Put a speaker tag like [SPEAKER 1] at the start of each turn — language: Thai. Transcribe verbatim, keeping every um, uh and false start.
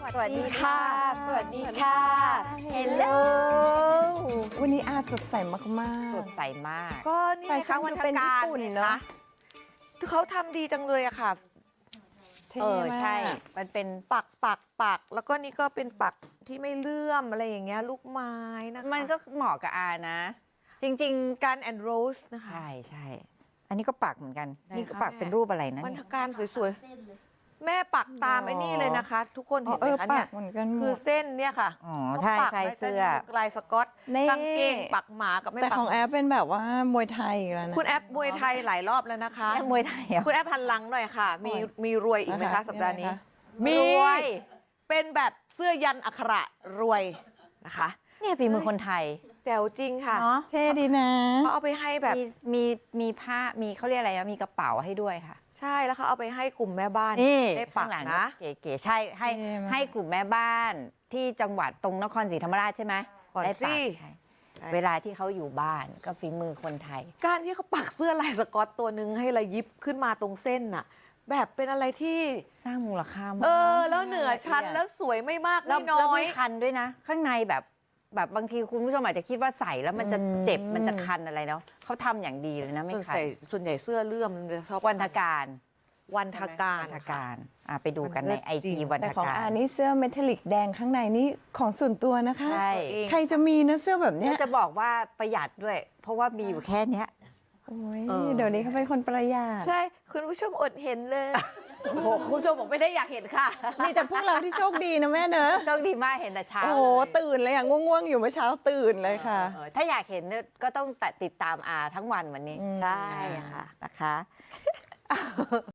[SPEAKER 1] สวัสดีค่ะ สวัสดีค่ะ
[SPEAKER 2] เฮลโล
[SPEAKER 1] วันนี้อาสดใสมาก
[SPEAKER 2] สดใสมาก
[SPEAKER 3] ก็นี่
[SPEAKER 1] แฟชั่น
[SPEAKER 3] วัน
[SPEAKER 1] ดู
[SPEAKER 3] ท
[SPEAKER 1] เป็นญี่
[SPEAKER 3] การ
[SPEAKER 1] ปุ่น
[SPEAKER 3] ไง
[SPEAKER 1] เนอะ
[SPEAKER 3] คะเขาทำดีจังเลยอะค่ะ
[SPEAKER 1] ๆเท่
[SPEAKER 2] เออ
[SPEAKER 1] มาก
[SPEAKER 2] ใช่ มันเป็น
[SPEAKER 3] ปักปักปักแล้วก็นี่ก็เป็นปักที่ไม่เลื่อมอะไรอย่างเงี้ยลูกไม้นะคะ
[SPEAKER 2] มันก็เหมาะกับอานะ จริง
[SPEAKER 3] การแอนด์โรสนะ
[SPEAKER 2] ๆ
[SPEAKER 3] คะ
[SPEAKER 2] ใช่ใช่อันนี้ก็ปักเหมือนกัน
[SPEAKER 3] ไหน
[SPEAKER 2] นี่ก็
[SPEAKER 3] คะ
[SPEAKER 2] ปัก
[SPEAKER 3] แม่
[SPEAKER 2] เป็นรูปอะไรนะ
[SPEAKER 3] วัน
[SPEAKER 2] เนี่
[SPEAKER 3] ท
[SPEAKER 2] ย
[SPEAKER 3] การสวยๆแม่ปักตาม
[SPEAKER 2] อ๋อ
[SPEAKER 3] ไอ้นี่เลยนะคะ ทุกคน
[SPEAKER 1] อ๋อ
[SPEAKER 3] เห็นไห
[SPEAKER 1] เอ
[SPEAKER 3] ม
[SPEAKER 1] อ
[SPEAKER 3] คะ
[SPEAKER 1] ปั
[SPEAKER 3] เนี่ย
[SPEAKER 1] กเหมือนกันหม
[SPEAKER 3] คือ
[SPEAKER 1] ด
[SPEAKER 3] เส้นเนี่ยค่ะ
[SPEAKER 2] อ๋อ
[SPEAKER 3] เขา
[SPEAKER 2] ใช่
[SPEAKER 3] ปัก
[SPEAKER 2] ใช่
[SPEAKER 3] ไว้
[SPEAKER 2] เสื้อ
[SPEAKER 3] ลายสก๊อต
[SPEAKER 1] นี่
[SPEAKER 3] กางเกงปักหมากับไม่
[SPEAKER 1] แต่
[SPEAKER 3] ปัก
[SPEAKER 1] ของแอปเป็นแบบว่ามวยไทยอีกแล้วนะ
[SPEAKER 3] คุณแอปมวยไทยหลายรอบแล้วนะคะ
[SPEAKER 2] แม่มวยไทยเหรอ
[SPEAKER 3] คุณแอปพันหลังหน่อยค่ะ มี
[SPEAKER 1] โอ้ย
[SPEAKER 3] มีรวยอีกไหม
[SPEAKER 1] นะคะ
[SPEAKER 3] คะสัปดาห์นี้
[SPEAKER 1] มีอะไรคะ
[SPEAKER 3] มี
[SPEAKER 2] รวย
[SPEAKER 3] เป็นแบบเสื้อยันอักขระรวยนะคะ
[SPEAKER 2] เนี่ยฝีมือคนไทย
[SPEAKER 3] แจ๋วจริงค่ะ
[SPEAKER 2] เนาะ
[SPEAKER 1] เท่ดีนะ
[SPEAKER 3] เขาเอาไปให้แบบ
[SPEAKER 2] มีมีมีผ้ามีเขาเรียกอะไรนะมีกระเป๋าให้ด้วยค่ะ
[SPEAKER 3] ใช่แล้วเขาเอาไปให้กลุ่มแม่บ้าน
[SPEAKER 2] นี่
[SPEAKER 3] ได้ปั
[SPEAKER 2] ข้าก งหลัง
[SPEAKER 3] นะ
[SPEAKER 2] เก๋ๆใช่ให้
[SPEAKER 1] เท่มาก
[SPEAKER 2] ให้กลุ่มแม่บ้านที่จังหวัดตรงนครศรีธรรมราชใช่ไหม
[SPEAKER 3] ก่อน
[SPEAKER 2] ได้
[SPEAKER 3] สิ
[SPEAKER 2] ปักใช่เวลาที่เขาอยู่บ้านก็ฝีมือคนไทย
[SPEAKER 3] การที่เขาปักเสื้อลายสก๊อตตัวหนึ่งให้ระยิบขึ้นมาตรงเส้นน่ะ แบบเป็นอะไรที่
[SPEAKER 2] สร้างมูลค่ามาก
[SPEAKER 3] เออ แล้วเหนือชั้นแล้วสวยไม่มาก
[SPEAKER 2] แล้ว
[SPEAKER 3] ไม่น้
[SPEAKER 2] แล้ว
[SPEAKER 3] อย
[SPEAKER 2] ไม่คันด้วยนะ ข้างในแบบแบบบางทีคุณผู้ชมอาจจะคิดว่าใส่แล้วมันจะเจ็บมันจะคันอะไรเนาะเขาทำอย่างดีเลยนะไม่
[SPEAKER 3] ส่วน
[SPEAKER 2] คัน
[SPEAKER 3] ใหญ่ส่วนใหญ่เสื้อเลื่อมมันจะชอบ
[SPEAKER 2] วันทการ
[SPEAKER 3] วันทการ
[SPEAKER 2] วันทการอ่ะไปดูกัน
[SPEAKER 3] มันเลิ
[SPEAKER 2] ใน
[SPEAKER 3] ศ
[SPEAKER 2] ไอ
[SPEAKER 3] จริ
[SPEAKER 2] จี
[SPEAKER 3] ง
[SPEAKER 2] วัน
[SPEAKER 1] แต่
[SPEAKER 2] ท
[SPEAKER 1] ของ
[SPEAKER 2] การ
[SPEAKER 1] อานี่เสื้อเมทัลลิกแดงข้างในนี่ของส่วนตัวนะคะ
[SPEAKER 2] ใช่
[SPEAKER 1] ใครจะมีนะเสื้อแบบเนี้ย
[SPEAKER 2] จะบอกว่าประหยัดด้วย เพราะว่ามีอยู่แค่เนี้ย
[SPEAKER 1] โอ้ย
[SPEAKER 2] เออ
[SPEAKER 1] เดี๋ยวนี้เขาเป็นคนประหยัด
[SPEAKER 3] ใช่ คุณผู้ชมอดเห็นเลย โอ้โหคุณผู้ชมบอกไม่ได้อยากเห็นค่ะ
[SPEAKER 1] มีแต่พวกเราที่โชคดีนะแม่เนอะ
[SPEAKER 2] โชคดีมากเห็นแต่เช้า
[SPEAKER 1] โอ้โห
[SPEAKER 2] เลย
[SPEAKER 1] ตื่นเลยอ่ะง่วงๆอยู่เมื่อเช้าตื่นเลยค่ะ
[SPEAKER 2] เออถ้าอยากเห็นเนี่ยก็ต้องติดตามอาทั้งวันวันนี้
[SPEAKER 1] อืม
[SPEAKER 2] ใช่ค่ะนะคะ